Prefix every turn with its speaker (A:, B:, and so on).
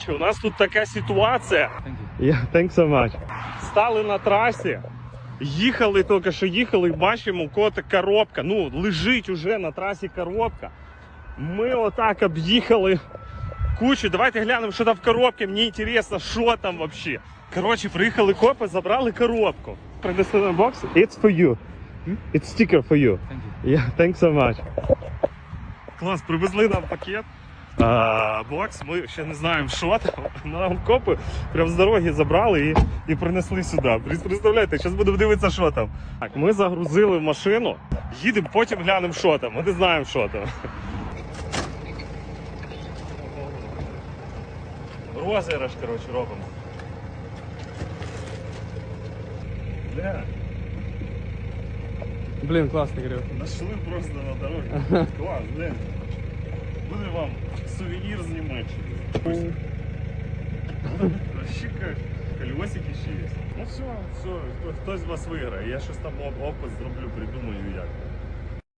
A: У нас тут така ситуація. Thanks so much. Стали на трасі, їхали, тільки що їхали, і бачимо, у кого-то коробка. Ну, лежить уже на трасі коробка. Ми отак об'їхали кучу. Давайте глянемо, що там в коробці. Мені цікаво, що там взагалі. Коротше, приїхали копи, забрали коробку. Принесли на бокс. It's for you. It's sticker for you. Thanks so much. Клас, привезли нам пакет. Бокс, ми ще не знаємо, що там. Нам копи прямо з дороги забрали і принесли сюди. Представляєте, зараз будемо дивитися, що там. Так, ми загрузили в машину, їдемо, потім глянемо, що там. Ми не знаємо, що там. Розіграш, коротше, робимо. Бля.
B: Блін, класний гриб.
A: Нашли просто на дорогі. Клас, блин. Буде вам сувенір з Німеччини. Вообще как колесики ще є. Ну все, хтось з вас виграє. Я щось там опис зроблю, придумаю як.